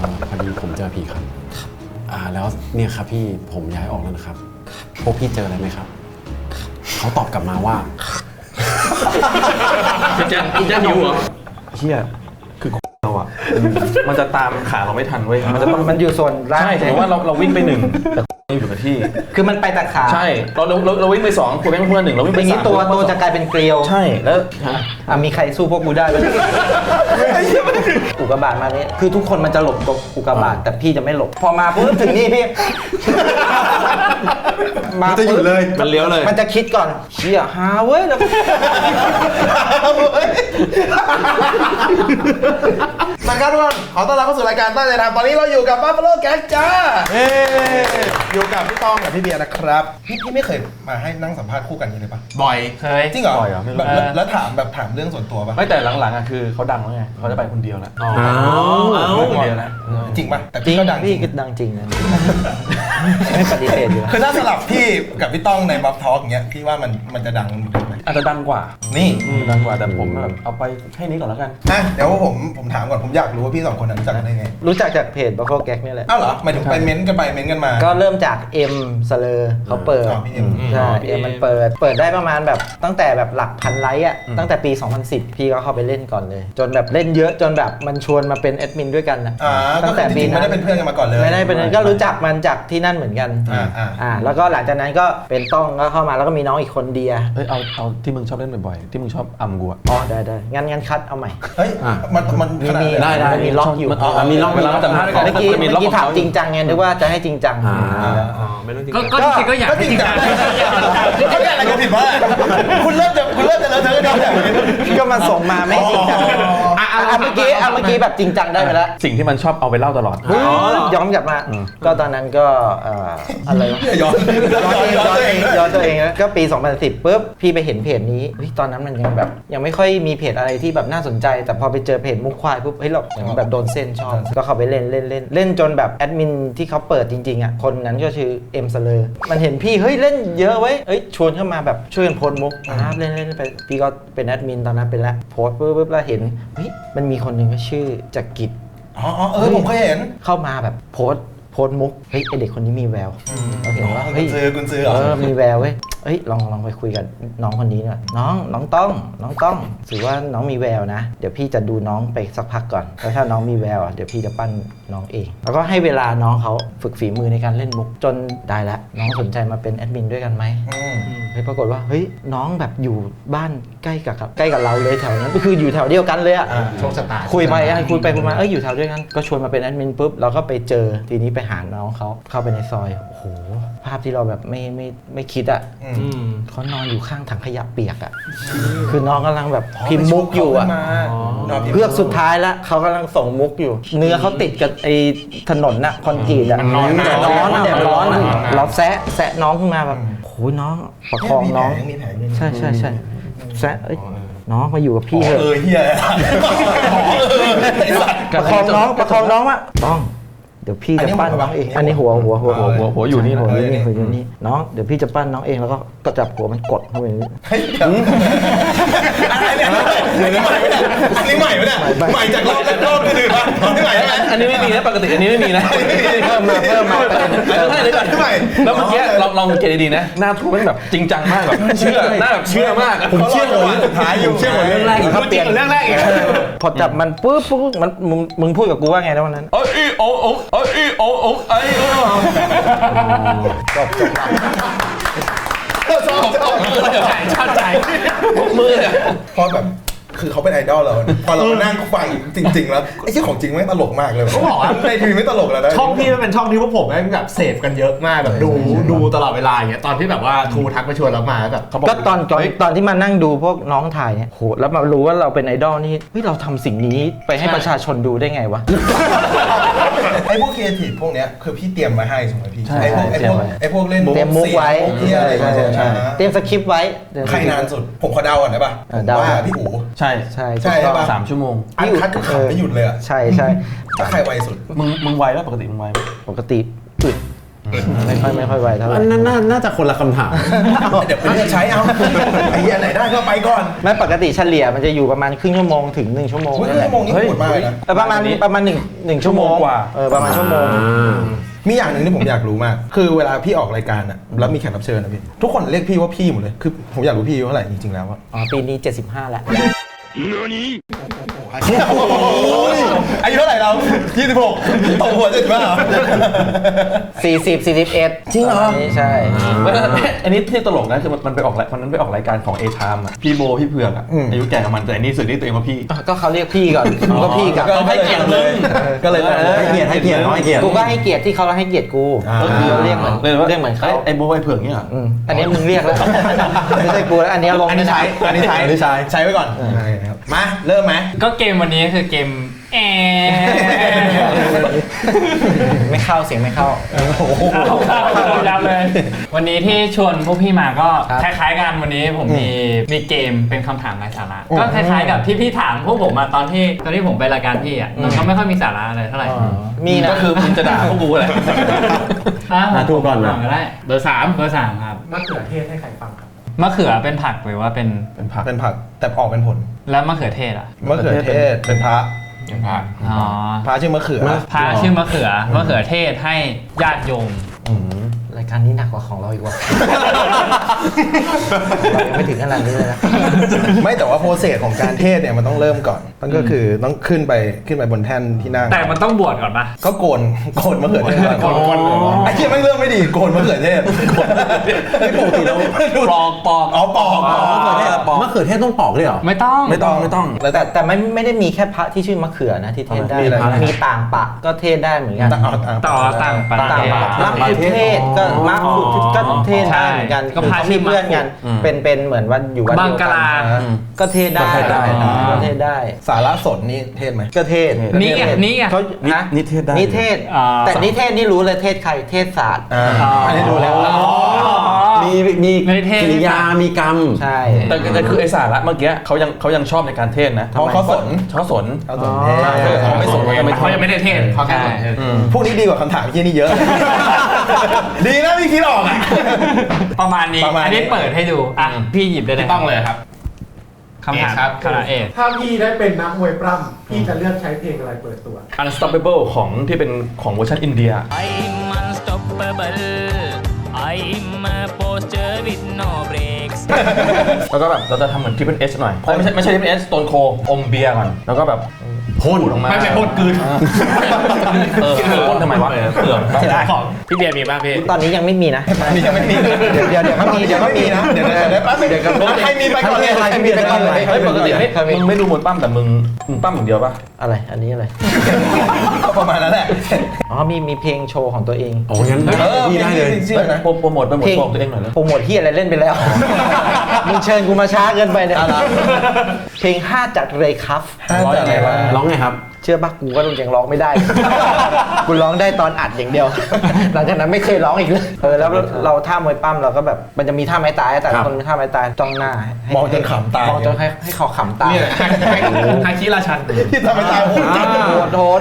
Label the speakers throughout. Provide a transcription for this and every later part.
Speaker 1: พอดีผมเจอผีครับแล้วเนี่ยครับพี่ผมย้ายออกแล้วนะครับพวกพี่เจออะไรไหมครับเขาตอบกลับมาว่า
Speaker 2: จะหิวเหรอ
Speaker 3: เชี่ยคือเราอ่ะมันจะตามขาเราไม่ทันเว้ย
Speaker 4: มันอยู่ส่วนล่าง
Speaker 3: ใช่สมมติว่าเราวิ่งไป1แต่อยู่กับที่
Speaker 4: คือมันไปแต่ขา
Speaker 3: ใช่เราวิ่งไป2คุยกันเพื่อน1เราวิ่งไป3
Speaker 4: อย่างนี้ตัวจะกลายเป็นเกลียว
Speaker 3: ใช่แล้ว
Speaker 4: มีใครสู้พวกกูได้ไหมอุกกาบาตมาเนี่ยคือทุกคนมันจะหลบตัวอุกกาบาตแต่พี่จะไม่หลบพอมาปุ๊บถึงนี่พี่
Speaker 2: มันจะอยู่เลย
Speaker 3: มันเลี้ยวเลย
Speaker 4: มันจะคิดก่อนเชี่ยหาเว้ยแล้ว
Speaker 2: สวัสดีครับทุกคนขอต้อนรับเข้าสู่รายการตั้งใจทำตอนนี้เราอยู่กับ Buffalo Gang จ้าอยู่กับพี่ต้องกับพี่เบียร์นะครับพี่ไม่เคยมาให้นั่งสัมภาษณ์คู่กันเลยปะ
Speaker 3: บ่อยเคย
Speaker 2: จริงเหรอ
Speaker 3: บ่อยเหรอไม่รู้
Speaker 2: แล้วถามเรื่องส่วนตัวปะ
Speaker 3: ไม่แต่หลังๆอ่ะคือเขาดังแล้วไงเขาจะไปคนเดียวแล้วคนเดียวแล้ว
Speaker 2: จริงปะแต่
Speaker 4: พี่
Speaker 2: ก็ดัง
Speaker 4: พี่ก็ดังจริงนะไม่ปฏิเสธอยู่
Speaker 2: คือถ้าสลับพี่กับพี่ต้องในบัฟทอล์กเงี้ยพี่ว่ามันจะดังไหม
Speaker 3: อาจจะดังกว่า
Speaker 2: นี่
Speaker 3: ดังกว่าแต่ผมแบบเอาไปแค่นี้ก่อนแล้วกัน
Speaker 2: เดี๋ยวผมถามก่อนผมอยากรู้ว่าพี่2คนนั้นรู้จักกันได้ไง
Speaker 4: รู้จักจากเพจ Buffalo Gang นี่แหละ
Speaker 2: อ้าวเหรอหมายถึงไปเม้นต์กันมา
Speaker 4: ก็เริ่มจากเอ็มสเลอร์เขาเปิดใช่เอ็มมันเปิดได้ประมาณแบบตั้งแต่แบบหลักพันไลค์อ่ะตั้งแต่ปี2010พี่ก็เข้าไปเล่นก่อนเลยจนแบบเล่นเยอะจนแบบมันชวนมาเป็นแอดมินด้วยกันนะ
Speaker 2: ตั้งแต่ปีไม่ได้เป็นเพื่อนกันมาก่อนเลย
Speaker 4: ไม่ได้เป็นก็รู้จักมันจากที่นั่นเหมือนกันแล้วก็หลังจากนั้นก็เป็นต้องก็เข้ามาแล้วก็มีน้องอีกคนเดีย
Speaker 3: เอาที่มึงชอบเล่นบ่อยๆที่มึงชอบอัมกู
Speaker 4: ได้งั้นคัดเอาใหม่
Speaker 2: เฮ้ยมัน
Speaker 4: ได้มีล็อกอยู่
Speaker 3: มีล็อกเวลาแต่เ
Speaker 4: มื่อกี้ถามจริงจังไงนึกว่าจะให้จริงจัง
Speaker 1: ก็จริงก็อยาก
Speaker 2: จริงจังเขาแก้อะไรกันผิดวะคุณเริ่มจะเลอะเทอะกันแล้ว
Speaker 4: ก็มาส่งมาไม่จริงจังเมื่อกี้แบบจริงจังได้ไปแล้ว
Speaker 3: สิ่งที่มันชอบเอาไปเล่าตลอด
Speaker 4: ย้อนกลับมาก็ตอนนั้นก็อะไร
Speaker 2: ย้อน
Speaker 4: ตัวเองก็ปี2010ปุ๊บพี่ไปเห็นเพจนี้ตอนนั้นมันยังแบบยังไม่ค่อยมีเพจอะไรที่แบบน่าสนใจแต่พอไปเจอเพจมุกควายปุ๊บเฮ้ยเราแบบโดนเส้นชอบก็เข้าไปเล่นจนแบบแอดมินที่เขาเปิดจริงๆอ่ะคนนั้นก็ชื่อเอ็มสเลอร์มันเห็นพี่เฮ้ยเล่นเยอะไว้ชวนเข้ามาแบบช่วยกันโพสมุกเล่นไปพี่ก็เป็นแอดมินตอนนั้นเป็นแล้วโพสปุ๊บแล้วเห็นเฮ้ยมันมีคนหนึ่งก็ชื่อจักริด
Speaker 2: ผมเคยเห็น
Speaker 4: เข้ามาแบบโพสมุกเฮ้ยไอเด็กคนนี้มีแววเราเห็นว่าเฮ้ย
Speaker 2: คุณซื้อ
Speaker 4: มีแววเว้ยลองไปคุยกับน้องคนนี้หน่อยน้องต้องถือว่าน้องมีแววนะเดี๋ยวพี่จะดูน้องไปสักพักก่อนแล้วถ้าน้องมีแววเดี๋ยวพี่จะปั้นน้องเองแล้วก็ให้เวลาน้องเขาฝึกฝีมือในการเล่นมุกจนได้แล้วน้องสนใจมาเป็นแอดมินด้วยกันไหมปรากฏว่าเฮ้ยน้องแบบอยู่บ้านใกล้กับเราเลยแถวนั้นก็คืออยู่แถวเดียวกันเลยอ่ะ
Speaker 2: โชคชะตา
Speaker 4: คุยไปอยู่แถวเดียวกันก็ชวนมาเป็นแอดมินปุ๊บเราก็ไปเจอทีนี้ไปหาน้องเขาเข้าไปในซอยโอ้โหภาพที่เราแบบไม่คิดอ่ะเขานอนอยู่ข้างถังขยะเปียกอ่ะคือน้องกำลังแบบพิมพ์มุกอยู่อ่ะเพื่อสุดท้ายแล้วเขากำลังส่งมุกอยู่เนื้อเขาติดกับไอ้ถนนน่ะคอนกรีตอ่ะร้อนเราแซะน้องขึ้นมาแบบโอ้ยน้องประคองน้องใช่แซะน้องมาอยู่กับพี่เถอะ
Speaker 2: เฮีย
Speaker 4: ประคองน้องอ่ะต้องเดี๋ยวพี่จะปั้นน้องเองอันนี้หัวอยู่นี่น้องเดี๋ยวพี่จะปั้นน้องเองแล้วก็จับหัวมันกดเข้าไปนี่
Speaker 2: อันนี้ใหม่ไหมเนี่ยใหม่จากรอบอื่นป่ะใหม่ใช่ไหม
Speaker 3: อันนี้ไม่มีนะปกติอันนี้ไม่มีนะ
Speaker 4: เพิ่มมา
Speaker 3: แล้วเมื่อกี้ลองเกณฑ์ดีๆนะหน้าทูมันแบบจริงจังมากแบบเชื่อหน้าแบบเชื่อมาก
Speaker 2: ผมเชื่อหัวสุดท้ายอยู่เชื่อหัวเรื่องแรก
Speaker 4: เขาเปลี่ยนเรื่องแรกอีกพอจับมันปุ๊บมันมึงพูดกับกูว่าไงนะวันนั้นจบ
Speaker 3: ชอบใจมือเลย
Speaker 2: พอแบบคือเขาเป็นไอดอลเราพอเรานั่งฟังจริงๆแล้วไอ้ที่ของจริงไม่ตลกมากเลยเขาบอกว่าในทีวีไม่ตลกแล้วนะ
Speaker 5: ช่องพี่มันเป็นช่องที่พวกผมแบบเสพกันเยอะมากแบบดูตลอดเวลาอย่างเงี้ยตอนที่แบบว่าทูทักมาชวนเรามาแบบ
Speaker 4: ก็ตอนที่มานั่งดูพวกน้องถ่ายเนี่ยโหแล้วมารู้ว่าเราเป็นไอดอลนี่เฮ้ยเราทำสิ่งนี้ไปให้ประชาชนดูได้ไงวะ
Speaker 2: ไอ้พวกครีเอทีฟพวกเนี้ยคือพี่เตรียมมาให้สมมติพี่ไอ้พวกเล่น
Speaker 4: เตรียมมุกไว้เตรียมสคริปต์ไว้
Speaker 2: ใครนานสุดผมขอเดาก่อนได้ป่ะว่าพี่อู๋
Speaker 3: ใช่
Speaker 2: ป่ะ
Speaker 3: 3 ชั่วโมง
Speaker 2: อันคัดก็ขับไม่หยุดเลยอ่ะ
Speaker 4: ใช่
Speaker 2: ถ้าใครไวสุด
Speaker 3: มึงไวแล้วปกติมึงไวไหม
Speaker 4: ปกติอึดไม่ค่อยไวเท่าไหร่
Speaker 1: อันนั้นน่าจะคนละคำถาม
Speaker 2: เดี๋ยวไปเลือกใช้เอาไอ้เหี้ยไหนได้ก็ไปก่อน
Speaker 4: ไม่ปกติเฉลี่ยมันจะอยู่ประมาณครึ่งชั่วโมงถึง1 ชั่วโมง
Speaker 2: ครึ่
Speaker 4: นั่
Speaker 2: ง
Speaker 4: นแห
Speaker 2: ชั่
Speaker 4: ละ
Speaker 2: วโมงนี่โหดมากเลยนะ
Speaker 4: ประมาณหนึ่งชั่วโมง
Speaker 3: ชั่วโมงกว่า
Speaker 4: ประมาณชั่วโมง
Speaker 2: มีอย่างหนึ่งที่ผมอยากรู้มาก คือเวลาพี่ออกรายการอะแล้วมีแขกรับเชิญนะพี่ทุกคนเรียกพี่ว่าพี่หมดเลยคือผมอยากรู้พี่อายุเท่าไหร่จริงๆแล้วอะ
Speaker 4: อ๋อปีนี้75แล้ว
Speaker 2: อายุเท่าไหร่เรา26ตกหัว75เหรอ
Speaker 4: 40 41
Speaker 2: จริงเหรอ
Speaker 4: ใช่
Speaker 3: อันนี้ที่ตลกนะคือมันไปออกวันนั้นไปออกรายการของ A Time อ่ะพี่โบพี่เผือกอ่ะอายุแก่กับมันแต่อันนี้สื่อที่ตัวเองว่าพี่
Speaker 4: ก็เขาเรียกพี่ก่อนกูก็พี่กับ
Speaker 3: ก็ให้เกียรติเลย
Speaker 2: ก็เลย
Speaker 1: ให้เกียรติให้เกียรติให้เกียรติ
Speaker 4: กูก็ให้เกียรติที่เขาให้เกียรติกู
Speaker 2: ก็
Speaker 4: ก็
Speaker 2: คื
Speaker 4: คือ อเรียกเหมือน
Speaker 3: เลยว่า
Speaker 4: เรียกเหมือนเขา
Speaker 3: ไอ้โบไอ้เผือกเนี่ยเหรอ
Speaker 4: อันนี้มึงเรียกแล้วไม่ใช่กูแล้วอันนี้ลง
Speaker 2: อันนี้ใช้ใช้ไว้ก่อนมาเริ่มไหม
Speaker 6: ก็เกมวันนี้คือเกม
Speaker 4: ไม่เข้าเสียงไม่เข้า
Speaker 6: เอายับเลย วันนี้ที่ชวนพวกพี่มาก็
Speaker 4: ครับ
Speaker 6: คล้ายๆกันวันนี้ผมมีเกมเป็นคำถามไร้สาระก็คล้ายๆกับที่พี่ถามพวกผมมาตอนที่ผมไปรายการพี่อ่ะมันก็ไม่ค่อยมีสาระอะไรเท่าไหร่
Speaker 4: มีนะ
Speaker 3: ก็คือมึงจะด่าพวกกูแหละ
Speaker 1: ถูกก่อนนะ
Speaker 6: ก็ได้เบอร์ 3ครับมะเขือเทศให้ใครฟังครับมะเขือเป็นผักหรือว่าเป็น
Speaker 2: เป็นผักแต่ออกเป็นผล
Speaker 6: แล้วมะเขือเทศอ่ะ
Speaker 2: มะเขือเทศเป็นพระ
Speaker 6: อ๋อ
Speaker 2: พระชื่อมะเขือ
Speaker 6: พระชื่อมะเขือเทศให้ญาติโยม
Speaker 4: รายการนี้หนักกว่าของเราอีกว่าเรายังไม่ถึงขนาดนี้เลยนะ
Speaker 2: ไม่แต่ว่าโปรเซสของการเทศเนี่ยมันต้องเริ่มก่อนมันก็คือต้องขึ้นไปบนแท่นที่นั่ง
Speaker 6: แต่มันต้องบวชก่อนปะ
Speaker 2: ก็โกนมะเขือเทศก่อนไอ้เหี้ยไม่เริ่มไม่ดีโกนมะเขือเทศ
Speaker 1: ไม่ปกติเรา
Speaker 3: ปอก
Speaker 2: อ๋อปอก
Speaker 1: มะเขือเทศต้องปอกด้วยเหรอ
Speaker 6: ไม่ต้อง
Speaker 3: ไม่ต้อง
Speaker 2: แล้วแต่
Speaker 4: แต่ไม่ได้มีแค่พระที่ชื่อมะเขือนะที่เทศได้
Speaker 2: มีอะไร
Speaker 4: มีต่างปะก็เทศได้เหมือนกัน
Speaker 6: ต่อต่างประ
Speaker 4: ต่าง
Speaker 6: เทศ
Speaker 4: ปะมะขุเทศก็มะขุก็เทศได้เหมือนกัน
Speaker 6: ก็
Speaker 4: คือ
Speaker 6: พระ
Speaker 4: เขา
Speaker 6: ชื่
Speaker 4: มี
Speaker 6: อ
Speaker 4: เพื่อนกัน เป็นเหมือนวันอยู่วัน
Speaker 6: บั
Speaker 4: เดี
Speaker 6: ง
Speaker 4: ยว
Speaker 6: ก
Speaker 4: กั
Speaker 6: ลา
Speaker 4: ก็เทศได้
Speaker 1: ก็เทศได้
Speaker 4: ก็เทศได้
Speaker 2: สาระสนนี่เทศไหม
Speaker 4: ก็เทศ
Speaker 6: นี่ไง
Speaker 4: เขาฮะ
Speaker 1: นิเทศได้
Speaker 4: นิเทศ
Speaker 6: อ่า
Speaker 4: แต่นิเทศนี่รู้เลยเทศใครเทศศาสตร์
Speaker 2: อันนี้ดูแล้ว
Speaker 1: มี
Speaker 6: ไม่เทศ
Speaker 1: กิริยามีกรรม
Speaker 4: ใช่
Speaker 3: แต่คือไอ้สาระเมื่อกี้เขายังชอบในการเทศนะ
Speaker 2: เพราะเขาสน
Speaker 3: เขาสน
Speaker 2: เขาสนเทศ
Speaker 3: เขาไม่สนเขาไม่
Speaker 6: เขายังไม่ได้เทศเขาแค่
Speaker 2: พวกนี้ดีกว่าคำถามที่นี่เยอะ ดีนะพี่คิดออกอ่ะ
Speaker 6: ประมาณนี้
Speaker 2: ประมาณนี้
Speaker 6: อันนี้เปิดให้ดูอ่ะพี่หยิบได้เลย
Speaker 5: ต้องเลยครับ
Speaker 6: คำถามคำถามเอก
Speaker 7: ถ้าพี่ได้เป็นนักมวยปล้ำพี่จะเลือกใช้เพลงอะไรเปิดตัว
Speaker 3: Unstoppable ของที่เป็นของเวอร์ชันอินเดีย
Speaker 8: I'm unstoppable. I'm a poster with no brakes.
Speaker 3: แล้วก็แบบเราจะทำเหมือน Triple H หน่อยไม่ใช่ Triple H Stone Cold อมเบียร์ก่อนแล้วก็แบบ
Speaker 1: พ่น
Speaker 3: ออกมา
Speaker 5: ไม่เป็นพ่นกลืน
Speaker 3: พ่นทำไมวะเปลือก
Speaker 6: จะได้ของพี่เบียร์มีบ้างพี่
Speaker 4: ตอนนี้ยังไม่มีนะ
Speaker 2: นี่ยังไม่มี
Speaker 4: เดี๋ยวเขามีเดี๋ยวเขามีนะ
Speaker 2: เดี๋ยวแป๊บนึงใครมีไปก่อนเลย
Speaker 4: ใครมีไปก่อนเลย
Speaker 3: เฮ้ยปกติมึงไม่ดูมวยปั้มแต่มึงปั้มอย่างเดียวป่ะ
Speaker 4: อะไรอันนี้อะไร
Speaker 2: ประมาณนั้นแหละ
Speaker 4: อ๋อมีเพลงโชว์ของตัวเอง
Speaker 1: โอ้งั้นพี่ได้เลย
Speaker 2: ชื่อนะ
Speaker 3: โปรโมทโชว์ตัวเองหน่อยเลย
Speaker 4: โปรโมทที่อะไรเล่นไปแล้ว มึงเชิญกูมาช้าเกินไปเนี่ยเพลง5จากเรย์คัฟ
Speaker 2: ร้อยอะไรวะ
Speaker 1: ร้องไงครับ
Speaker 4: เชื่อปะกูก็ยังร้องไม่ได้ กูร้องได้ตอนอัดอย่างเดียว หลังจากนั้นไม่เคยร้องอีกเลยแล้วเราท่ามวยปั้มเราก็แบบมันจะมีท่าไม้ตายแต่ละคนมีท่าไม้ตายจ้องหน้าให้
Speaker 2: มองจนขำตาย
Speaker 4: มองจนให้เขาขำตาย
Speaker 5: เนี่ยฮาคิราชัน
Speaker 2: ที่ทำให้ตายโหดจัง
Speaker 4: โหด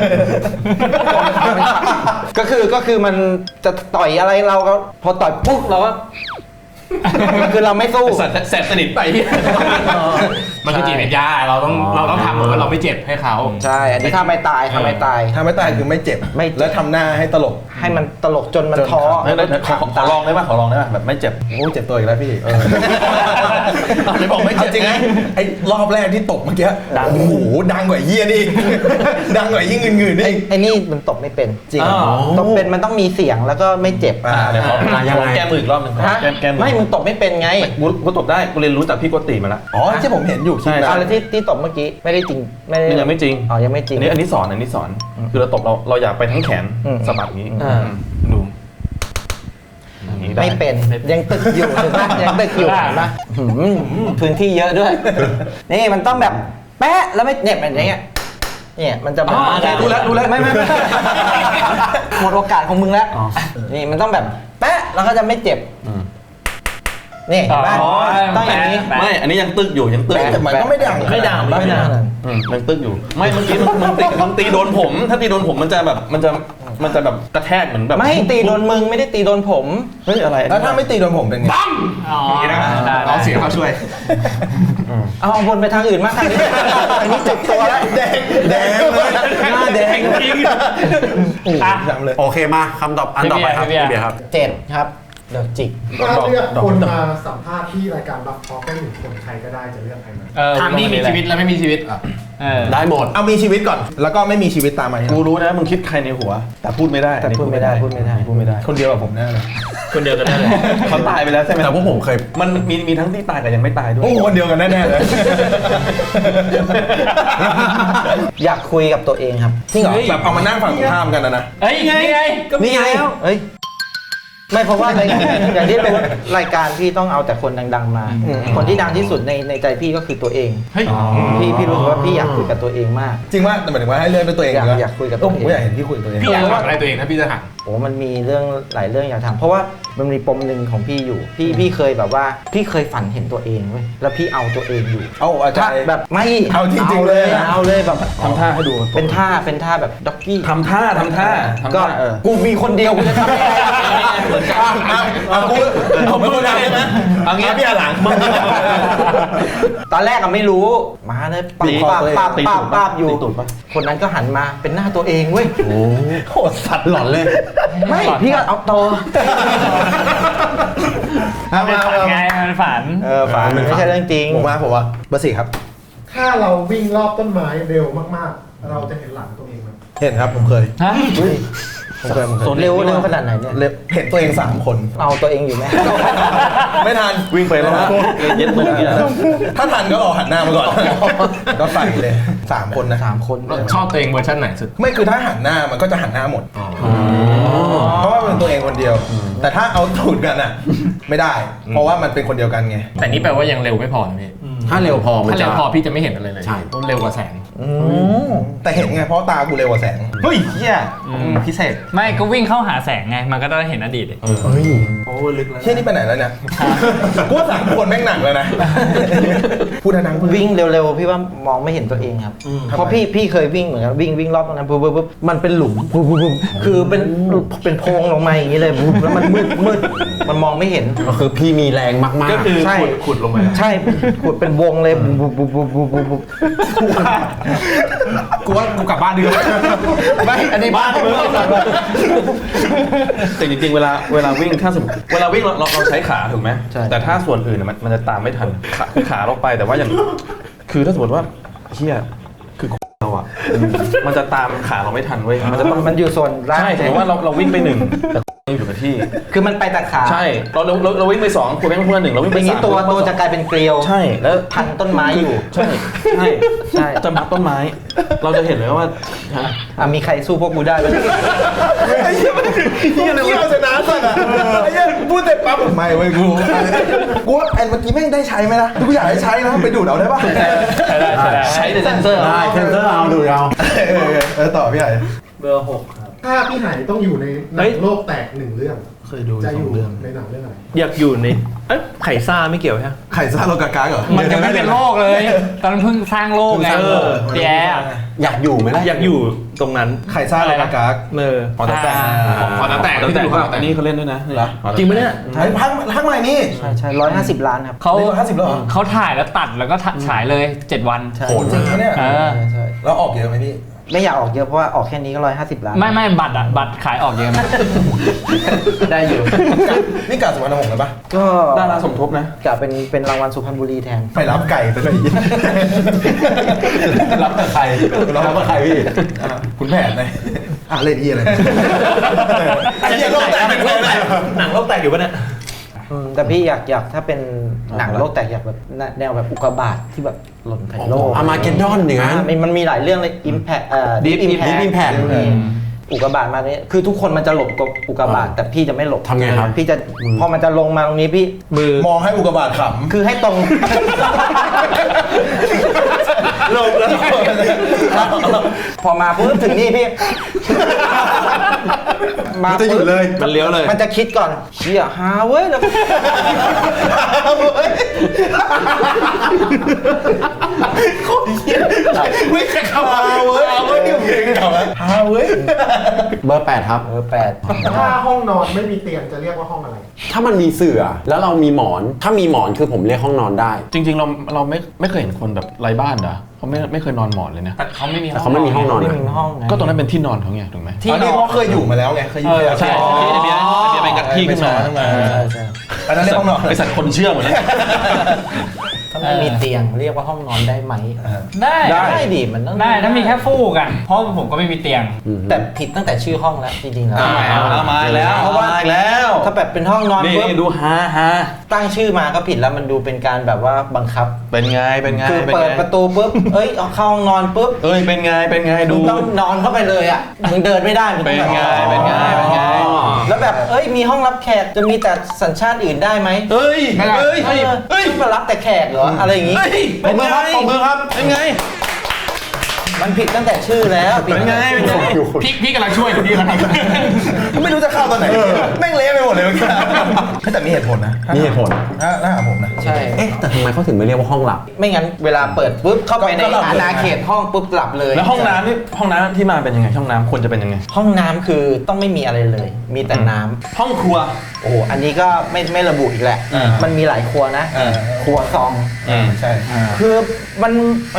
Speaker 4: ก็คือมันจะต่อยอะไรเราก็พอต่อยปุ๊บเราก็ คือเราไม่สู้
Speaker 3: แสบสนิทไป
Speaker 5: มันคือจิตวิทยาเราต้องทำเหมือนว่าเราไม่เจ็บให้เขา
Speaker 4: ใช่อันนี้ท่าไม่ตายท่าไม่ตาย
Speaker 2: ถ้าไม่ตายคือไม่เจ็บ
Speaker 4: ไม่เจ็บ
Speaker 2: แล้วทำหน้าให้ตลก
Speaker 4: ให้มันตลกจนมันท้อ
Speaker 3: ขอลองได้ป่ะแบบไม่เจ็บ
Speaker 2: โอ้เจ็บตัวอีกแล้วพี่
Speaker 3: ไหนบอกไม่เจ็บ
Speaker 2: จริงนะไอ้รอบแรกที่ตกเมื่อกี้โอ้โหดังกว่าเยี่ยนี่ ดังกว่ายิ่งเงินนี่
Speaker 4: ไอ้นี่มันตบไม่เป็น
Speaker 2: จริง
Speaker 4: ตบเป็นมันต้องมีเสียงแล้วก็ไม่เจ็บ
Speaker 3: เดี๋ยวขอแก้มืออีกรอบนึง
Speaker 4: ฮะ
Speaker 3: แก้มือ
Speaker 4: ไม่มึงตบไม่เป็นไง
Speaker 3: กูตบได้กูเรียนรู้จากพี่โกติมาแล้ว
Speaker 2: อ๋อที่ผมเห็นอยู่คลิป
Speaker 3: ใช่
Speaker 2: นะ
Speaker 4: อะไรที่ตบเมื่อกี้ไม่ได้จริงไม่ได้
Speaker 3: นี่ยังไม่จริง
Speaker 4: อ๋อยังไม่จริง
Speaker 3: อันนี้สอนคือเราตบเราอยากไปทั้งแขน
Speaker 4: อืม
Speaker 3: สะบัดนี้
Speaker 4: อ่า
Speaker 3: ดูอย่างนี้ได้
Speaker 4: ไม่เป็นยังตึกอยู่ถูกไหมยังตึกอยู่เห็นปะพื้นที่เยอะด้วย นี่มันต้องแบบแป๊ะแล้วไม่เนี่ยแบบนี้เนี่ยมันจะแบบ
Speaker 3: รู้แล้ว
Speaker 4: ไม่หมดโอกาสของมึงแล้วนี่มันต้องแบบแป๊ะแล้วก็จะไม่เจ็บนี่เห็นปะต้องอย่างนี้
Speaker 3: ไม่อันนี้ยังตึกอยู่ยังตึก
Speaker 2: แต่มันก็ไม่ดัง
Speaker 4: ไม่ดัง
Speaker 3: ยังตึกอยู่ไม่เมื่อกี้มึงตีโดนผมถ้าตีโดนผมมันจะแบบมันจะมันจะแบบกระแทกเหมือนแบบ
Speaker 4: ไม่ตีโดนมึงไม่ได้ตีโดนผม
Speaker 3: เฮ้ยอะไร
Speaker 2: แล้วถ้าไม่ตีโดนผมเป็นไง
Speaker 6: อ๋อ
Speaker 5: ได้
Speaker 6: ได้
Speaker 5: เอาเสียงเขาช่วย
Speaker 4: เอาวนไปทางอื่นมากทางนี้อันนี้เจ็บตัวแล้ว
Speaker 2: แดงเลยหน้าแดง
Speaker 3: จริง
Speaker 6: อ่ะ
Speaker 2: จำเลย
Speaker 1: โอเคมาคำตอบอันต่อไปครับ
Speaker 6: พี่
Speaker 1: พี่
Speaker 6: เบียร์
Speaker 1: เบียร์ครับ
Speaker 4: เจ็ดครับเดี๋ยวจิก
Speaker 7: ถ้าเลือกคนมาสัมภาษณ์ที่รายการบัฟทอล์กได้หนึ่งคนใครก็ได้จะเลือกใครมา
Speaker 5: ทางที่มีชีวิตและไม่มีชีวิต
Speaker 1: ได้หมด
Speaker 2: เอามีชีวิตก่อน แล้วก็ไม่มีชีวิตตามมา
Speaker 3: กูรู้นะมึงคิดใครในหัว แต่พูดไม่ได้
Speaker 4: แต่พูดไม่ได้พูดไม่ได้
Speaker 3: พูดไม่ได้
Speaker 2: คนเดียวกับผมแน่เลย
Speaker 3: คนเดียวกันได้เลยเขาตายไปแล้วใช่ไหม
Speaker 1: แต่พวกผมเคย
Speaker 3: มันมีทั้งที่ตายกับยังไม่ตายด้วย
Speaker 2: โอ้โหคนเดียวกันแน่ๆเลย
Speaker 4: อยากคุยกับตัวเองครับ
Speaker 2: จริงเหรอแบบเอามานั่งฝั่งตรงข้ามกันนะ
Speaker 6: เฮ้ยนี่ไง
Speaker 4: นี่ไงเฮ้ยไม่เพราะว่าอย่างที่รู้รายการพี่ต้องเอาแต่คนดังๆมา คนที่ดังที่สุดในใจพี่ก็คือตัวเอง
Speaker 5: เฮ้ย
Speaker 4: พี่รู้สึกว่าพี่อยากคุยกับตัวเองมาก
Speaker 2: จริงว่าแต่หมายถึงว่าให้เลือกด้วยตัวเอง
Speaker 4: อยากคุยกับตัวเอง
Speaker 2: ผมอยากเห็นพี่คุยกับตัวเอง
Speaker 5: พี่อยากถามอะไรตัวเองถ้าพี่จะถาม
Speaker 4: โอ้มันมีเรื่องหลายเรื่องอยากถามเพราะว่ามันมีปมหนึ่งของพี่อยู่พี่เคยแบบว่าพี่เคยฝันเห็นตัวเองเว้ยแล้วพี่เอาตัวเองอยู่
Speaker 2: เอาอาจารย์
Speaker 4: แบบไม่
Speaker 2: เอาจริงๆเลยนะ
Speaker 4: เอาเลยแบบ
Speaker 3: ทำท่าให้ดู
Speaker 4: เป็นท่าแบบด็อกกี้
Speaker 3: ทำท่า
Speaker 4: ก็กูมีคนเดียวกูจะทำยังไงเหมือนกัน
Speaker 2: เอากูผมไม่คนดังใช่ไหมเอางี้พี่หลังมึง
Speaker 4: ตอนแรกอะไม่รู้มาเลยป้าบอยู่ คนนั้นก็หันมาเป็นหน้าตัวเองเว้ย
Speaker 1: โอ้โหสัตว์หลอนเลย
Speaker 4: ไม่พี่ก็เอาโต
Speaker 6: เป็นฝันไงมันฝัน
Speaker 4: ฝันไม่ใช่เรื่องจริง
Speaker 2: ผมว่าเบอร์สี่ครับ
Speaker 7: ถ้าเราวิ่งรอบต้นไม้เร็วมากๆ เราจะเห็นหลังตัวเองไหม
Speaker 2: เห็นครับผมเคย
Speaker 6: ฮะ
Speaker 4: เร็วขนาดไหนเนี่ย
Speaker 2: เห็นตัวเอง3 คน
Speaker 4: เอาตัวเองอยู่ไหม
Speaker 2: ไม่ทัน
Speaker 3: วิ่งไปแล้วเย็ดมือเนี่ย
Speaker 2: ถ้าทันก็รอหันหน้ามาก่อน ก็ใส่เลย3 คนนะ
Speaker 4: 3 คน
Speaker 5: ชอบตัวเองเวอร์ชันไหนสุด
Speaker 2: ไม่คือถ้าหันหน้ามันก็จะหันหน้าหมด เพราะว่ามันเป็นตัวเองคนเดียว แต่ถ้าเอาตูดกันอ่ะ ไม่ได้ เพราะว่ามันเป็นคนเดียวกันไง
Speaker 5: แต่นี่แปลว่ายังเร็วไม่พอนะพี่
Speaker 1: ถ้าเร็วพอมัน
Speaker 5: ถ้า
Speaker 1: จะ
Speaker 5: เร็วพอพี่จะไม่เห็นอะไรเลย
Speaker 1: ใช่
Speaker 5: ต้องเร็วกว่าแสง
Speaker 2: แต่เห็นไงเพราะตากูเร็วกว่าแสง
Speaker 5: เฮ้ยเฮียพิเศษ
Speaker 6: ไม่ก็วิ่งเข้าหาแสงไงมันก็ได้เห็นอดีตดิ
Speaker 5: โอ้ลึกแล้ว
Speaker 2: เที่ยนี่ไปไหนแล้วเนี่ยกูว่า3 คนแม่งหนักเลยนะ พูดดังๆ
Speaker 4: วิ่งเร็วๆพี่ว่ามองไม่เห็นตัวเองครับ เพราะพี่เคยวิ่งเหมือนกันวิ่งรอบตรงนั้นปุ๊บมันเป็นหลุมปุ๊บคือเป็นโพรงลงมาอย่างนี้เลยปุ๊บแล้วมันมืดมันมองไม่เห็น
Speaker 1: ก็คือพี่มีแรงมากๆ
Speaker 3: ก็คือ
Speaker 4: ใช่
Speaker 3: ขุดลงไป
Speaker 4: ใช่ขุดเป็นวงเลยปุ๊บ
Speaker 5: กูว่ากูกลับบ้านดีกว่า
Speaker 4: ไม่อันนี้บ้านมึง
Speaker 3: แต่จริงๆเวลาวิ่งถ้าสมมติเวลาวิ่งเราใช้ขาถูกไหมแต่ถ้าส่วนอื่นมันจะตามไม่ทันขาเราไปแต่ว่าอย่างคือถ้าสมมติว่าเฮียคือเราอ่ะมันจะตามขาเราไม่ทันเว้ยมันจะต้อง
Speaker 4: มันอยู่ส่วนล่าง
Speaker 3: ใช่สมมติว่าเราวิ่งไป1แต่ยังอยู่กับที่
Speaker 4: คือมันไปแต่ขา
Speaker 3: ใช่เราวิ่งไป2คุณแม่งเพื่อน1เราวิ่ง
Speaker 4: อ
Speaker 3: ไป
Speaker 4: ย่างนี้
Speaker 3: 3
Speaker 4: ตัวจะกลายเป็นเกลียว
Speaker 3: ใช่แล้ว
Speaker 4: พันต้นไม้อยู่
Speaker 3: ใช่จะมัดต้นไม้ เราจะเห็นเลยว่า
Speaker 4: มีใครสู้พวกกูได้ไหม
Speaker 2: ไอ้เหี้ยมันเหี้ยเอาชนะสัตว์อ่ะไอ้เหี้ยพูดเสร็จปั๊บไม่เว้ยกูว่าไอ้เมื่อกี้แม่งได้ใช้ไหมนะกูอยากให้ใช้นะไปดูดเอาได้ปะ
Speaker 3: ใช้เซนเซอร์
Speaker 1: ได้เซนเซอร์เอาดูเอา
Speaker 2: ต่อพี่ใหญ่
Speaker 7: เบอร์ 6 ครับ ถ้าพี่ไหต้องอยู่ในหนังโลกแตก1 เรื่อง
Speaker 2: เคยดู
Speaker 7: จะอยู่
Speaker 2: 2 เรื่อง
Speaker 7: ในหนังเรื่องอะไร
Speaker 3: อยากอยู่ในไข่ซ่าไม่เกี่ยวใช่ไหม
Speaker 2: ไข่ซ่าโลกากาเหรอ
Speaker 6: มันจะไม่เป็นโลกเลย ตอนเพิ่งสร้างโลกไงพี่แย่
Speaker 1: อยากอยู่ไหมล่ะ
Speaker 3: อยากอยู่ตรงนั้น
Speaker 2: ไข่ซ่าโลกากา
Speaker 3: พอแต่
Speaker 5: พอแต่
Speaker 3: ตั้งแต่อันนี้เขาเล่นด้วยนะ
Speaker 2: จริงไหมเนี่ยไอ้พักใหม่นี่
Speaker 4: ใช่150 ล้านครับ
Speaker 6: เขา
Speaker 2: 150แล้วเหรอ
Speaker 6: เขาถ่ายแล้วตัดแล้วก็ฉายเลย 7 วัน
Speaker 2: โหจริงไหมเนี่ย
Speaker 6: เออ
Speaker 4: ใช่
Speaker 2: แล้วออกเยอะไหมพี่
Speaker 4: ไม่อยากออกเยอะเพราะว่าออกแค่นี้ก็150 ล้าน
Speaker 6: ไม่บัตรขายออกเยอะนะ
Speaker 4: ได้อยู่
Speaker 2: นี่กาสุวรรณหงส์เลยปะ
Speaker 4: ก็
Speaker 3: ดาราสมทบนะ
Speaker 4: กะเป็นรางวัลสุพรรณบุรีแทน
Speaker 2: ไปรับไก่ไปเลย
Speaker 1: รับกับใครรับกับใครพี่
Speaker 2: คุณแผนเลยเล่นที่อะไรไอ้เหี้ยโลกแตกเป็นโลกแตก
Speaker 3: หนังโลกแตกอยู่ปะเนี่ย
Speaker 4: แต่พี่อยากถ้าเป็นหนังโลกแตกอยากแบบแนวแบบอุกกาบาตที่แบบหล่นใส่โลก
Speaker 1: อามาเกดดอนอย่างนั้น
Speaker 4: มันมีหลายเรื่องเลย Impact
Speaker 1: Deep Impact
Speaker 4: อุกกาบาตมาเนี่ยคือทุกคนมันจะหลบกับอุกกาบาตแต่พี่จะไม่หลบ
Speaker 1: ทำไงครับ
Speaker 4: พี่จะพอมันจะลงมาตรงนี้พี่
Speaker 2: มองให้อุกกาบาตข
Speaker 4: คือให้ตรง
Speaker 2: ำลงแล้ว
Speaker 4: พอมาปุ๊บถึงนี่พี่มา
Speaker 2: มันจะอยู่เลย
Speaker 3: มันเลี้ยวเลย
Speaker 4: มันจะคิดก่อนเชี่ยหาเว้ยแล้วก็
Speaker 2: ไม่ใช่คำว่าเว้ยนี่เพลงเหรอฮาเว้ย
Speaker 1: เบอร์ 8 ครับ
Speaker 7: ถ้าห้องนอนไม่มีเตียงจะเรียกว่าห้องอะไร
Speaker 1: ถ้ามันมีเสื่อแล้วเรามีหมอน ถ้ามีหมอนคือผมเรียกห้องนอนได้
Speaker 3: จริงๆเราไม่เคยเห็นคนแบบไร้บ้านเหรอเขาไม่เคยนอนหมอนเลยนะ
Speaker 6: แต่เขาไม่มี
Speaker 1: แต่เขาไม่มีห้องนอน
Speaker 4: ไม่
Speaker 1: นะ
Speaker 4: มีห้องไง
Speaker 3: ก็ตรงนั้นเป็นที่นอนเขาไงถูกไหม
Speaker 2: ที่นี่เขาเคยอยู่มาแล้วไงเคยอยู่
Speaker 3: ใช่ที่ไอเบียร์ไปงัดที่ขึ้นมา
Speaker 4: ใช่
Speaker 2: อันนั้นเรียกห้องนอน
Speaker 3: ไอสัตว์คนเชื่อหมดแล้ว
Speaker 4: ถ้าไม่มีเตียงเรียกว่าห้องนอนได้ไหม
Speaker 6: ได้
Speaker 4: ได้ดิมันต้อง
Speaker 6: ได้ถ้ามีแค่ฟูกอ่ะเพราะผมก็ไม่มีเตียง
Speaker 4: แต่ผิดตั้งแต่ชื่อห้องแล้วจริงๆแล้ว
Speaker 3: มาแล้ว
Speaker 4: เพราะว่า
Speaker 3: มาแล้ว
Speaker 4: ถ้าแบบเป็นห้องนอน
Speaker 3: นี่
Speaker 4: ปุ๊บ
Speaker 3: ดูฮา
Speaker 4: ตั้งชื่อมาก็ผิดแล้วมันดูเป็นการแบบว่าบังคับ
Speaker 3: เป็นไง
Speaker 4: คือเปิดประตูปุ๊บเอ้ยเอาเข้าห้องนอนปุ๊บ
Speaker 3: เอ้ยเป็นไง
Speaker 4: มึ
Speaker 3: ดู
Speaker 4: งต้องนอนเข้าไปเลยอ่ะมึงเดินไม่ได้มึงต้องแบบ
Speaker 3: เป็นไง
Speaker 4: แล้วแบบเอ้ยมีห้องรับแขกจะมีแต่สัญชาติอื่นได้ไหม
Speaker 3: เฮ้ยเฮ้ย
Speaker 4: ต้องมารับแต่แขกเหรออะไรอย่างงี้
Speaker 3: เป็นไงเป็นไง
Speaker 4: มันผิดตั้งแต่ชื่อแล้วผิดตั้งแต่ชื่อแล้ว
Speaker 5: พี่กำลังช่วยอยู่พี่กำลัง
Speaker 2: ไม่รู้จะเข้าตอนไหนแม่งเละไปหมดเลยเมื่อกี้แต่มีเหตุผลนะ
Speaker 1: มีเหตุผล
Speaker 2: ถ้าหาผมนะ
Speaker 4: ใช่
Speaker 1: เอ๊ะแต่ทำไมเขาถึงไม่เรียกว่าห้องหลับ
Speaker 4: ไม่งั้นเวลาเปิดปุ๊บเข้าไปใน
Speaker 2: ก็หลับเลย
Speaker 4: อาณาเขตห้องปุ๊บหลับเลย
Speaker 3: แล้วห้องน้ำที่มาเป็นยังไงห้องน้ำควรจะเป็นยังไง
Speaker 4: ห้องน้ำคือต้องไม่มีอะไรเลย มีแต่น้ำ
Speaker 3: ห้องครัว
Speaker 4: โอ้โหอันนี้ก็ไม่ระบุอีกแหละ มันมีหลายครัวนะ ครัวซอง
Speaker 2: ใช่
Speaker 4: คือมันแหม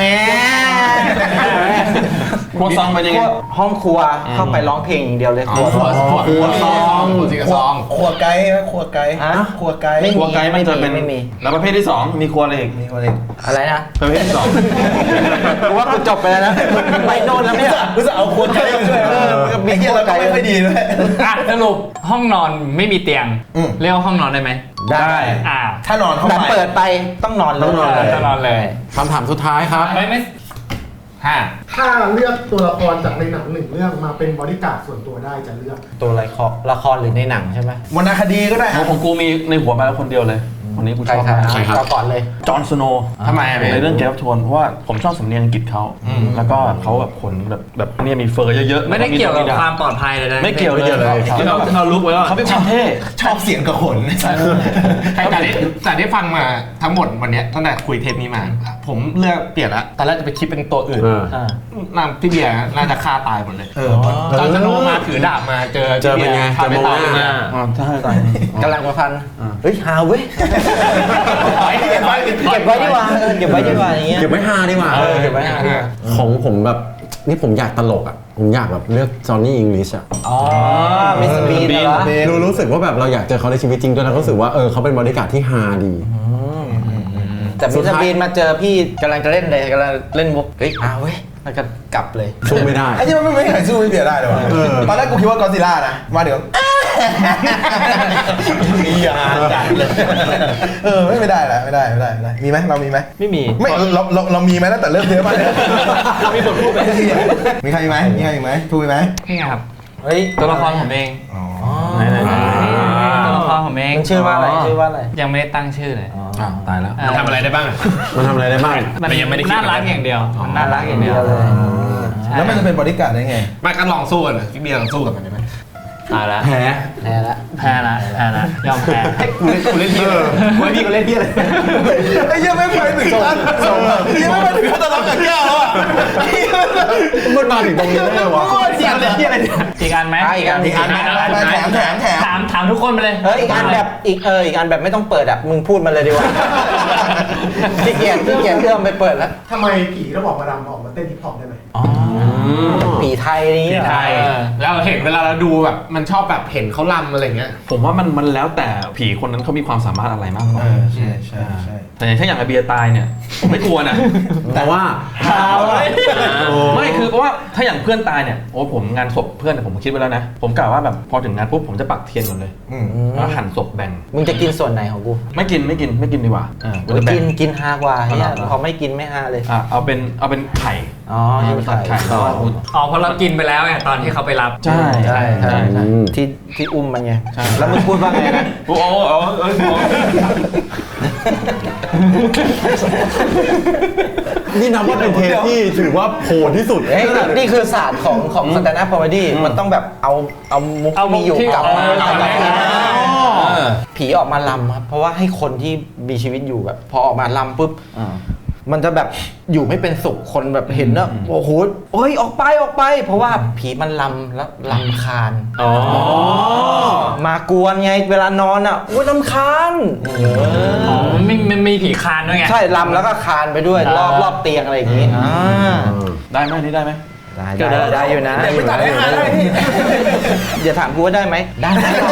Speaker 3: ครัวซองเป็นยังไง
Speaker 4: ห้องครัวเข้าไปร้องเพลงอย่างเดียวเลยครัวซอง
Speaker 5: หัวซองหัวซอง
Speaker 2: ครัวไกด์ไหมครัวไกด์
Speaker 4: ฮะ
Speaker 2: ครัวไกด์
Speaker 4: ไม่
Speaker 3: ครัวไกด์มันจะเป็น
Speaker 4: ไม่มี
Speaker 3: แล้วประเภทที่ 2 มีครัวอะไรอีก
Speaker 2: มีคนเอง
Speaker 4: อะไรนะ
Speaker 3: ประเภทที่ 2
Speaker 4: กูว่ากูจบไปแล้วนะไปโน่นแล้วเนี่ย
Speaker 2: รู้สึกเอาครัวไกด์มาช่วยไอ้เหี้ยเราก็ไม่ค่อยดีด้วย
Speaker 6: อ่ะสรุปห้องนอนไม่มีเตียง เรียกว่าห้องนอนได้ไหม
Speaker 4: ได้
Speaker 6: อ่า
Speaker 2: ถ้านอนเข้า
Speaker 4: แต่
Speaker 2: ไป
Speaker 4: เปิดไปต้องนอนเลย
Speaker 1: ต้องนอนเลย
Speaker 6: จะนอนเลย
Speaker 1: คำถามสุดท้ายครับ
Speaker 6: ไม่
Speaker 7: ถ้าเลือกตัวละครจากในหนังหนึ่งเรื่องมาเป็นบริการดส่วนตัวได้จะเลือก
Speaker 4: ตัวละครหรือในหนังใช่ไหม
Speaker 2: วรรณคดีก็ได้
Speaker 3: ของกูมีในหัวมาแล้วคนเดียวเลยคนนี้กูชอบมาก
Speaker 1: ใครครับ
Speaker 4: เอาก่อนเลย
Speaker 3: จอห์นสโนว์
Speaker 5: ทำไมอะพี่
Speaker 3: ในเรื่องเกมออฟโทนเพราะว่าผมชอบสำเนียงอังกฤษเขาแล้วก็เขาแบบขนแบบเนี่ยมีเฟอร์เยอะๆ
Speaker 6: ไม่ได้เกี่ยวกับ
Speaker 3: ด
Speaker 6: ความปลอดภัยเลยนะ
Speaker 3: ไม่เกี่ยวเลยเราลุกไว้ว่าเขาเป็นความเท่
Speaker 2: ชอบเสียงกระขน
Speaker 5: แต่ที่ฟังมาทั้งหมดวันเนี้ยตั้งแต่คุยเทปนี้มา ผมเลือกเปลี่ยนละตอนแรกจะไปคิดเป็นตัวอื่น
Speaker 3: นางพี่เบียร์น่าจะฆ่าตายหมดเลย
Speaker 5: จอห์นสโนว์มาถือดาบมาเจอ
Speaker 1: เจอเป็นไง
Speaker 5: ฆ่าไม่ตาย
Speaker 1: เจอมองหน้า
Speaker 3: ใช่ตาย
Speaker 4: กำลังประพันธ์เฮ้ยหาเว้ย
Speaker 2: เก็บไว้
Speaker 4: เก็บไว้ดีกว่าเก็บไว้ดีกว่าอย่างเงี้ย
Speaker 1: เก็บไว้ฮาดีกว่า
Speaker 4: เก็บไว้หาดีกว่า
Speaker 1: ของผมแบบนี่ผมอยากตลกอ่ะ ผมอยากแบบเลือกจอห์นนี่อิงลิชอ่ะ
Speaker 4: อ๋อมิสเตอร์บีนเหรอ
Speaker 1: รู้สึกว่าแบบเราอยากเจอเขาในชีวิตจริงด้วยแล้วก็รู้สึกว่าเขาเป็นบริการดที่ฮาดี
Speaker 4: แต่มิสเตอร์บีนมาเจอพี่กำลังจะเล่นเลยกำลังเล่นมุกเฮ้ยหาเว้ยแล้วก็กลับเลย
Speaker 1: สู้ไม่ได้
Speaker 2: ไอ้ที่มันไม่เคยสู้พี่เบียร์ได้เลยวะตอนแรกกูคิดว่ากอซิล่านะมาเดี๋ยวมียาจัดเลยไม่ได้แล้วไม่ได้มีไหมเรามีไหม
Speaker 4: ไม่มี
Speaker 2: ไม่เรามีไหมตั้งแต่เริ่มเทปมาเนี่ยมีบทพูดไหมมีใครไหมทูไหม
Speaker 6: นี่ไงครับ
Speaker 4: เฮ้ย
Speaker 6: ตัวละครผมเอง ตัวละครผมเอง
Speaker 4: มันชื่อว่าอะไรชื่อว่าอะไร
Speaker 6: ยังไม่ได้ตั้งชื่อเลย
Speaker 3: ตายแล้ว
Speaker 5: ทำอะไรได้บ้าง
Speaker 1: มันทำอะไรได้บ้าง
Speaker 6: มัน
Speaker 5: แต่ยังไม่ได้คิด
Speaker 6: น่ารักอย่างเดียวมันน่ารักอย่างเดียว
Speaker 4: เลย
Speaker 6: ใช่
Speaker 2: แล้วมันจะเป็นบริการดได้ไง
Speaker 5: มากันลองสู้กันพี่เบียร์ลองสู้กับมันได้ไหม
Speaker 6: ตายแล้ว
Speaker 1: แพ้
Speaker 4: แพ้ละ
Speaker 6: แพ้ละยอมแพ้
Speaker 5: กูเล่นพี่เลยพี่กูเล่นพี่เลย
Speaker 2: ไอ้เหี้ยังไม่ไปถึงขั้นยังไม่ไปถึงขั้นตะลักกับแก้วแล้วอ่ะ
Speaker 1: มันมาถึงตรงนี้ได้ไงวะ
Speaker 2: เสียงเลยที่อะไรเนี่ย
Speaker 6: อีกอันไหม
Speaker 4: อีกอัน
Speaker 6: ถามทุกคนไปเลย
Speaker 4: เฮ้ยอีกอันแบบอีกอันแบบไม่ต้องเปิดอ่ะมึงพูดมันเลยดีกว่าขี้เกียจเอื้อมไปเปิดแล้ว
Speaker 7: ทำไมผีระบอกมาดำออกมาเต้นฮิปฮอปได้ไหม
Speaker 4: ผีไทยนี้
Speaker 5: ใช่แล้วเห็นเวลาเราดูแบบมันชอบแบบเห็นเขาลำอะไรเงี้ย
Speaker 3: ผมว่ามันแล้วแต่ผีคนนั้นเขามีความสามารถอะไรมากกว่า
Speaker 2: ใช่
Speaker 3: แต่อย่างถ้าอย่างไอเบียร์ตายเนี่ยผมไม่กลัวนะ
Speaker 1: แต่ว่า
Speaker 3: ไม่คือเพราะว่าถ้าอย่างเพื่อนตายเนี่ยโอ้ผมงานศพเพื่อนผมคิดไว้แล้วนะผมกะว่าแบบพอถึงงานปุ๊บผมจะปักเทียนก่อนเลยแล้วหั่นศพแบ่ง
Speaker 4: มึงจะกินส่วนไหนของกู
Speaker 3: ไม่กินดีกว่ากูจะแบ่ง
Speaker 4: กินฮากว่าเนี่ยพอไม่กินไม่ฮาเลย
Speaker 3: เอาเป็นไข่
Speaker 4: อ๋อ
Speaker 3: เป็นไข่ต่อ
Speaker 6: อ๋อเพราะเรากินไปแล้วไงตอนที่เขาไปรับ
Speaker 3: ใช่
Speaker 4: ที่อุ้มมันไงแล้วมึงพูดว่าไงนะ
Speaker 3: โอ้
Speaker 1: นี่นับว่าเป็นเทปที่ถือว่าโหดที่สุด
Speaker 4: เอ้ยนี่คือศาสตร์ของสแตนด์อัพคอมเมดี้มันต้องแบบเอามุก
Speaker 6: เอามุ
Speaker 4: มี
Speaker 6: ก
Speaker 4: อยู่
Speaker 6: ที่
Speaker 4: กลับมา
Speaker 6: เอากลับมา
Speaker 4: ผีออกมาลำครับเพราะว่าให้คนที่มีชีวิตอยู่แบบพอออกมาลำปุ๊บมันจะแบบอยู่ไม่เป็นสุขคนแบบเห็นนะโอ้โหเฮ้ยออกไปเพราะว่าผีมันลำแล้วลำคาญมากวนไงเวลานอนอ่ะโอ้ยลำคาญ
Speaker 6: อ๋อมันมีผีคานด้วยไง
Speaker 4: ใช่ลำแล้วก็คานไปด้วยรอบเตียงอะไรอย่างงี้
Speaker 3: ได้ไหมนี่ได้ไหม
Speaker 4: ได้อยู่นะ
Speaker 2: เดี๋ยวไปตัดให้หาได้พี่
Speaker 4: อย่าถามกูว่าได้ไหมได้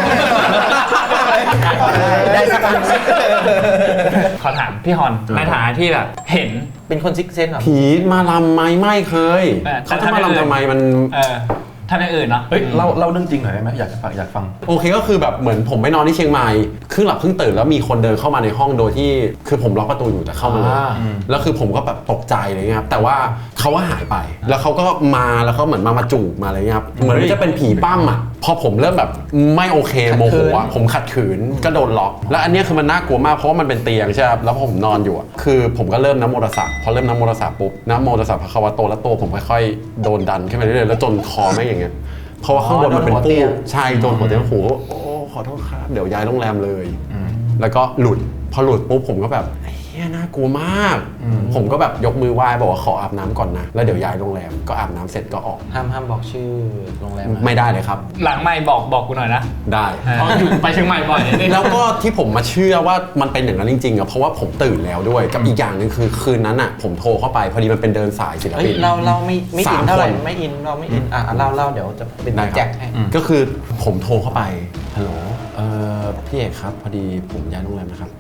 Speaker 4: สักอัน
Speaker 6: ขอถามพี่ฮอนในฐานะที่แบบเห็น
Speaker 4: เป็นคนซิกเซนเหรอ
Speaker 1: ผีมาลำไหมไม่เคย เขาจะมาลำทำไมมัน
Speaker 6: ทำอย่างอื่นเนาะ
Speaker 3: เฮ้ยเล่าเรื่องจริงหน่อยได้ไหมอยากฟัง
Speaker 1: โอเคก็คือแบบเหมือนผมไปนอนที่เชียงใหม่ครึ่งหลับครึ่งตื่นแล้วมีคนเดินเข้ามาในห้องโดยที่คือผมล็อกประตูอยู่แต่เข้ามาเลยแล้วคือผมก็แบบตกใจอะไรเงี้ยครับแต่ว่าเขาว่าหายไปแล้วเขาก็มาแล้วเขาเหมือนมาจูบมาอะไรเงี้ยครับเหมือนจะเป็นผีปั้มอ่ะพอผมเริ่มแบบไม่โอเคโมโหอ่ะผมขัดขืนก็โดนล็อกแล้วอันเนี้ยคือมันน่ากลัวมากเพราะว่ามันเป็นเตียงใช่ครับแล้วพอผมนอนอยู่อ่ะคือผมก็เริ่มนะโมตัสสะพอเริ่มนะโมตัสสะปุ๊บนะโมตัสสะภะคะวะโตแล้วตัวผมค่อยๆโดนดันขึ้นไปเรื่อยๆแล้วจนคอไม่อย่างเงี้ยเพราะว่าข้างบนมันเป็นปูใช่โดนหัวเตียงหูโอ้ขอโทษครับเดี๋ยวย้ายโรงแรมเลยแล้วก็หลุดพอหลุดปุ๊บผมก็แบบเฮียน่ากลัวมากผมก็แบบยกมือไหว้บอกว่าขออาบน้ำก่อนนะแล้วเดี๋ยวย้ายโรงแรมก็อาบน้ำเสร็จก็ออก
Speaker 4: ห้ามบอกชื่อโรงแรมนะ
Speaker 1: ไม่ได้เลยครับ
Speaker 6: หลังไม่บอกกูหน่อยนะ
Speaker 1: ได้
Speaker 6: เพราะอยู่ไปเชียงใหม่บ่อยนี่
Speaker 1: แล้วก็ที่ผมมาเชื่อว่ามันเป็นอย่างนั้นจริงๆอ่ะเพราะว่าผมตื่นแล้วด้วยกับอีกอย่างหนึ่งคือคืนนั้นอ่ะผมโทรเข้าไปพอดีมันเป็นเดินสายศิล
Speaker 4: เฮ้ย
Speaker 1: ปิน
Speaker 4: เราไม่อิน
Speaker 1: 3
Speaker 4: เท่าไหร่
Speaker 1: คน
Speaker 4: ไม่อินเราไม่อินเล่าเดี๋ยวจะเป็น
Speaker 1: ได้ค
Speaker 4: แจ็
Speaker 1: รับ
Speaker 4: คให้
Speaker 1: ก็คือผมโทรเข้าไปฮัลโหลพี่เอกครับพอดีผมย้ายโรงแรมนะครับ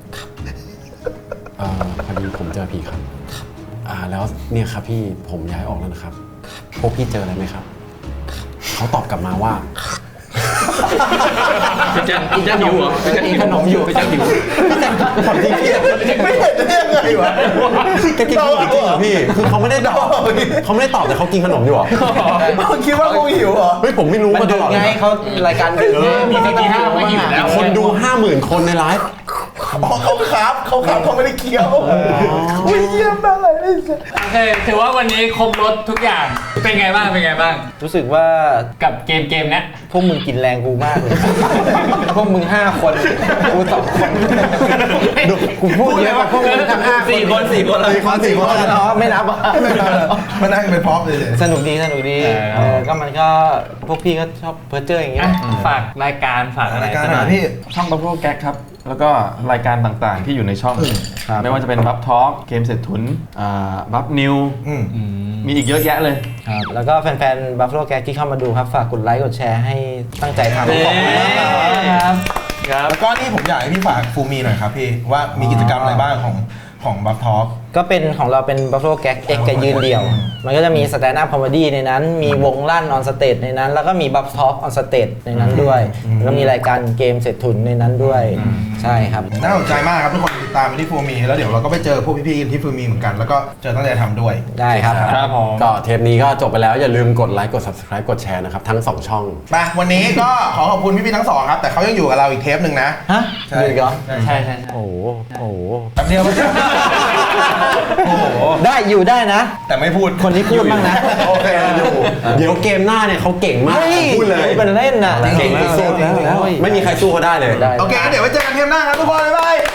Speaker 1: พอดีผมเจอผีครับแล้วเนี่ยครับพี่ผมย้ายออกแล้วนะครับพวกพี่เจออะไรไหมครับเขาตอบกลับมาว่า
Speaker 3: พี่แจ๊คหิวเหรอพี่แจ๊คหิวขนมอยู่พี่แจ๊คหิว
Speaker 1: ถามจริงพี่
Speaker 2: ไม่เห็นได้ยังไงวะ
Speaker 1: แกกินขนมจริงเหรอพี่คือเขาไม่ได้ตอบแต่เขากินขนมอยู่เหรอ
Speaker 2: คิดว่ากูหิวเหรอ
Speaker 1: เฮ้ยผมไม่รู้
Speaker 4: มัน
Speaker 1: มาต
Speaker 4: ดึก
Speaker 1: ลอด
Speaker 4: ไงเขารายการดึก
Speaker 6: มีไปกินข้าวไม่หิวแล้ว
Speaker 1: คนดู 50,000 คนในไลฟ์
Speaker 2: อ๋อเขาครับเขาไม่ได้เคี้ยวอุ้ยเยี่ยมมากเลย
Speaker 6: โอเคถือว่าวันนี้ครบรถทุกอย่างเป็นไงบ้าง
Speaker 4: รู้สึกว่า
Speaker 6: กับเกมเนี้ย
Speaker 4: พวกมึงกินแรงกูมากเลย พวกมึง5 คนกู2 คนกูพูดเยอะกว่าพวกมึงทั้ง5
Speaker 3: 4 คน
Speaker 4: อ๋อไม่นับอ่ะ
Speaker 2: มานั่งเป็นพร็อพเลย
Speaker 4: สนุกดีก็มันก็พวกพี่ก็ชอบเพ้อเจ้ออย่างเงี้ย
Speaker 6: ฝากรายการฝากอะไร
Speaker 2: รายการ
Speaker 6: สัก
Speaker 2: ไห
Speaker 6: ห
Speaker 2: น
Speaker 6: น่อย
Speaker 2: พี่
Speaker 3: ช่อง Bubble Gag ครับ แล้วก็รายการต่างๆที่อยู่ในช่อง ไม่ว่าจะเป็นบัฟทอล์กเกมเศรษฐุนบัฟนิวมีอีกเยอะแยะเลย
Speaker 4: ครับแล้วก็แฟนๆ Buffalo Gag ที่เข้ามาดูครับฝากกดไลค์กดแชร์ให้ตั้งใจทำ
Speaker 6: ครับ
Speaker 2: แล้วก็นี่ผมอยากให้พี่ฝากฟูมีหน่อยครับพี่ว่ามีกิจกรรมอะไรบ้างของบัฟทอล์ก
Speaker 4: ก็เป็นของเราเป็น Buffalo Gag X กับยืนเดี่ยว มันก็จะมี Stand Up Comedy ในนั้น มีวงลั่น on stage ในนั้น แล้วก็มี Buff Talk on stage ในนั้นด้วย แล้วก็มีรายการเกมเศรษฐุนในนั้นด้วย ใช่ครับ
Speaker 2: น่าสนใจมากครับทุกคนติดตามไปที่ฟูมีแล้วเดี๋ยวเราก็ไปเจอพวกพี่ๆที่ฟูมีเหมือนกันแล้วก็เจอตั้งใจทำด้วย
Speaker 4: ได้ครับ
Speaker 6: ครับผม
Speaker 1: ก็เทปนี้ก็จบไปแล้วอย่าลืมกดไลค์กด subscribe กดแชร์นะครับทั้ง 2 ช่อง
Speaker 2: ไปวันนี้ก็ขอขอบคุณพี่ๆทั้งสองครับแต่เขายังอยู่กับเราอีกเทปหนึ่งนะ
Speaker 4: ฮะ
Speaker 2: ใช่
Speaker 4: อยู่อีกเหรอ
Speaker 6: ใช่
Speaker 4: โอ้โห
Speaker 2: แป๊บเดียว โอ้โห
Speaker 4: ได้อยู่ได้นะ
Speaker 2: แต่ไม่พูด
Speaker 4: คนนี้พูดบ้างนะ
Speaker 2: โอเค
Speaker 1: เดี๋ยวเกมหน้าเนี่ยเขาเก่งมากพูดเลย
Speaker 4: เป็นเล่นน่ะ
Speaker 1: เก่งสุดๆไม่มีใครสู้เขาได้เลย
Speaker 2: โอเคงั้นเดี๋ยวไว้เจอกันเทปหน้าครับทุกคนบ๊ายบาย